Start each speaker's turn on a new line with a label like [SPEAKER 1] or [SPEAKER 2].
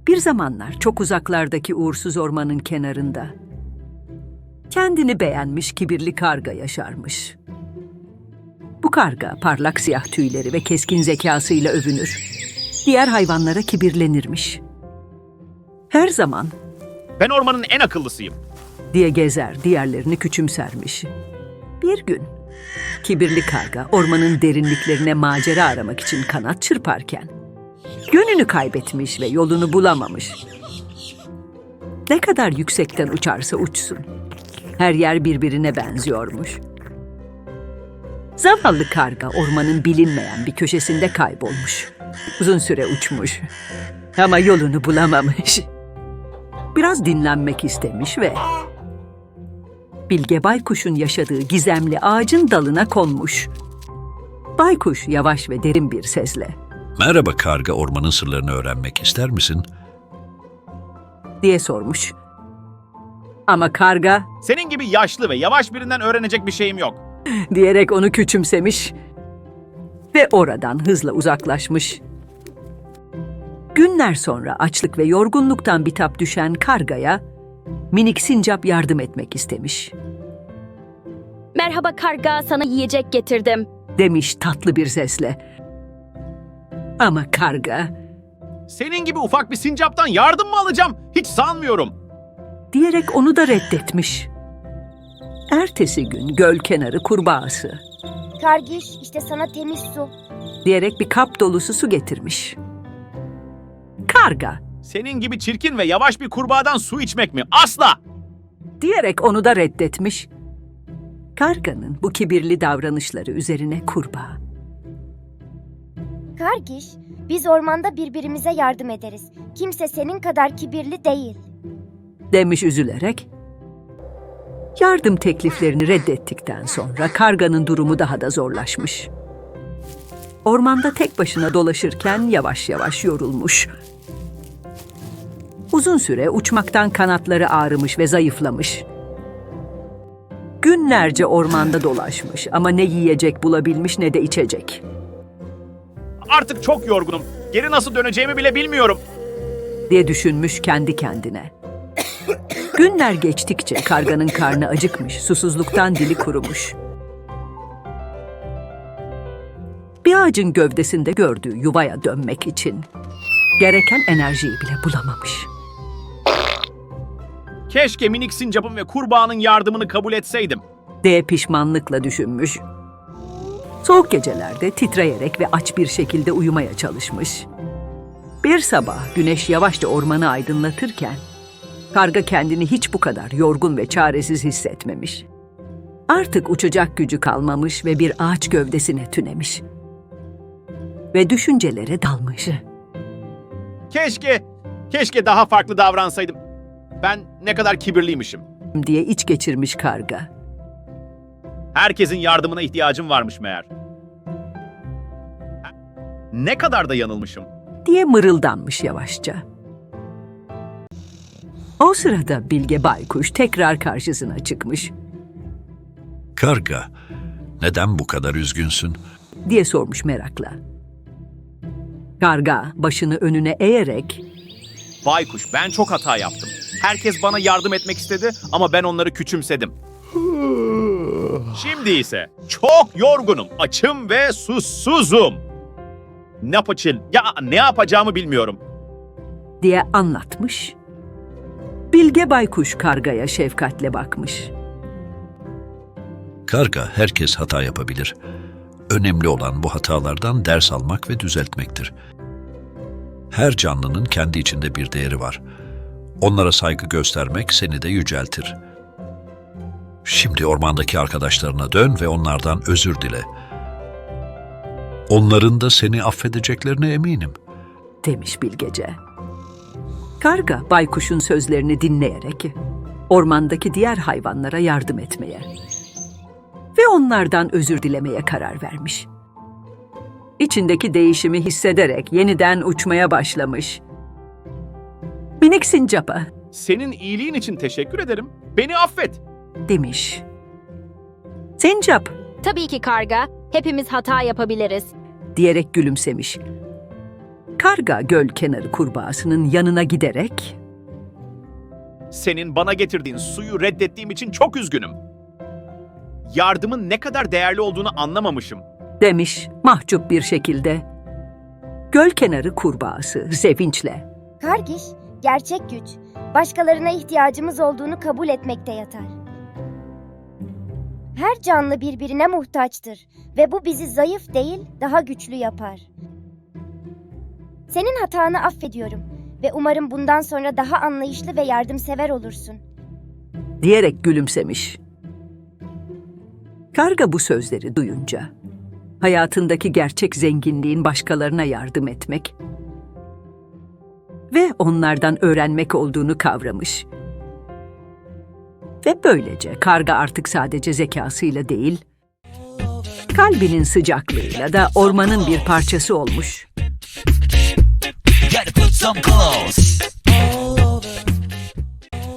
[SPEAKER 1] Bir zamanlar çok uzaklardaki uğursuz ormanın kenarında kendini beğenmiş kibirli karga yaşarmış. Bu karga parlak siyah tüyleri ve keskin zekasıyla övünür. Diğer hayvanlara kibirlenirmiş. Her zaman
[SPEAKER 2] Ben ormanın en akıllısıyım.
[SPEAKER 1] diye gezer, diğerlerini küçümsermiş. Bir gün kibirli karga ormanın derinliklerine macera aramak için kanat çırparken yönünü kaybetmiş ve yolunu bulamamış. Ne kadar yüksekten uçarsa uçsun, her yer birbirine benziyormuş. Zavallı karga ormanın bilinmeyen bir köşesinde kaybolmuş. Uzun süre uçmuş ama yolunu bulamamış. Biraz dinlenmek istemiş ve Bilge Baykuş'un yaşadığı gizemli ağacın dalına konmuş. Baykuş yavaş ve derin bir sesle
[SPEAKER 3] Merhaba karga, ormanın sırlarını öğrenmek ister misin?
[SPEAKER 1] diye sormuş. Ama karga
[SPEAKER 2] Senin gibi yaşlı ve yavaş birinden öğrenecek bir şeyim yok.
[SPEAKER 1] diyerek onu küçümsemiş ve oradan hızla uzaklaşmış. Günler sonra açlık ve yorgunluktan bitap düşen kargaya minik sincap yardım etmek istemiş.
[SPEAKER 4] Merhaba karga, sana yiyecek getirdim.
[SPEAKER 1] Demiş tatlı bir sesle. Ama karga
[SPEAKER 2] Senin gibi ufak bir sincaptan yardım mı alacağım? Hiç sanmıyorum.
[SPEAKER 1] diyerek onu da reddetmiş. Ertesi gün göl kenarı kurbağası
[SPEAKER 5] Kargiş, işte sana temiz su.
[SPEAKER 1] diyerek bir kap dolusu su getirmiş. Karga
[SPEAKER 2] Senin gibi çirkin ve yavaş bir kurbağadan su içmek mi? Asla!
[SPEAKER 1] diyerek onu da reddetmiş. Karganın bu kibirli davranışları üzerine kurbağa
[SPEAKER 5] Kargiş, biz ormanda birbirimize yardım ederiz. Kimse senin kadar kibirli değil.
[SPEAKER 1] demiş üzülerek. Yardım tekliflerini reddettikten sonra karganın durumu daha da zorlaşmış. Ormanda tek başına dolaşırken yavaş yavaş yorulmuş. Uzun süre uçmaktan kanatları ağrımış ve zayıflamış. Günlerce ormanda dolaşmış ama ne yiyecek bulabilmiş ne de içecek.
[SPEAKER 2] Artık çok yorgunum. Geri nasıl döneceğimi bile bilmiyorum.
[SPEAKER 1] diye düşünmüş kendi kendine. Günler geçtikçe karganın karnı acıkmış, susuzluktan dili kurumuş. Bir ağacın gövdesinde gördüğü yuvaya dönmek için gereken enerjiyi bile bulamamış.
[SPEAKER 2] Keşke minik sincapın ve kurbağanın yardımını kabul etseydim.
[SPEAKER 1] diye pişmanlıkla düşünmüş. Soğuk gecelerde titreyerek ve aç bir şekilde uyumaya çalışmış. Bir sabah güneş yavaşça ormanı aydınlatırken karga kendini hiç bu kadar yorgun ve çaresiz hissetmemiş. Artık uçacak gücü kalmamış ve bir ağaç gövdesine tünemiş. Ve düşüncelere dalmış.
[SPEAKER 2] Keşke daha farklı davransaydım. Ben ne kadar kibirliymişim.
[SPEAKER 1] diye iç geçirmiş karga.
[SPEAKER 2] Herkesin yardımına ihtiyacım varmış meğer. Ne kadar da yanılmışım.
[SPEAKER 1] diye mırıldanmış yavaşça. O sırada Bilge Baykuş tekrar karşısına çıkmış
[SPEAKER 3] Karga, neden bu kadar üzgünsün?
[SPEAKER 1] diye sormuş merakla. Karga başını önüne eğerek
[SPEAKER 2] Baykuş, ben çok hata yaptım. Herkes bana yardım etmek istedi ama ben onları küçümsedim. Şimdi ise çok yorgunum, açım ve susuzum. Ne yapacağımı bilmiyorum.
[SPEAKER 1] diye anlatmış. Bilge Baykuş kargaya şefkatle bakmış.
[SPEAKER 3] Karga, herkes hata yapabilir. Önemli olan bu hatalardan ders almak ve düzeltmektir. Her canlının kendi içinde bir değeri var. Onlara saygı göstermek seni de yüceltir. Şimdi ormandaki arkadaşlarına dön ve onlardan özür dile. Onların da seni affedeceklerine eminim.
[SPEAKER 1] demiş bilgece. Karga baykuşun sözlerini dinleyerek ormandaki diğer hayvanlara yardım etmeye ve onlardan özür dilemeye karar vermiş. İçindeki değişimi hissederek yeniden uçmaya başlamış. Minik sincapa
[SPEAKER 2] Senin iyiliğin için teşekkür ederim. Beni affet.
[SPEAKER 1] demiş. Sincap
[SPEAKER 4] Tabii ki karga, hepimiz hata yapabiliriz.
[SPEAKER 1] diyerek gülümsemiş. Karga göl kenarı kurbağasının yanına giderek
[SPEAKER 2] Senin bana getirdiğin suyu reddettiğim için çok üzgünüm. Yardımın ne kadar değerli olduğunu anlamamışım.
[SPEAKER 1] demiş mahcup bir şekilde. Göl kenarı kurbağası sevinçle.
[SPEAKER 5] Kargiş, gerçek güç, başkalarına ihtiyacımız olduğunu kabul etmekte yatar. Her canlı birbirine muhtaçtır ve bu bizi zayıf değil, daha güçlü yapar. Senin hatanı affediyorum ve umarım bundan sonra daha anlayışlı ve yardımsever olursun.
[SPEAKER 1] Diyerek gülümsemiş. Karga bu sözleri duyunca hayatındaki gerçek zenginliğin başkalarına yardım etmek ve onlardan öğrenmek olduğunu kavramış. Ve böylece karga artık sadece zekasıyla değil, kalbinin sıcaklığıyla da ormanın bir parçası olmuş.
[SPEAKER 6] Gotta put some clothes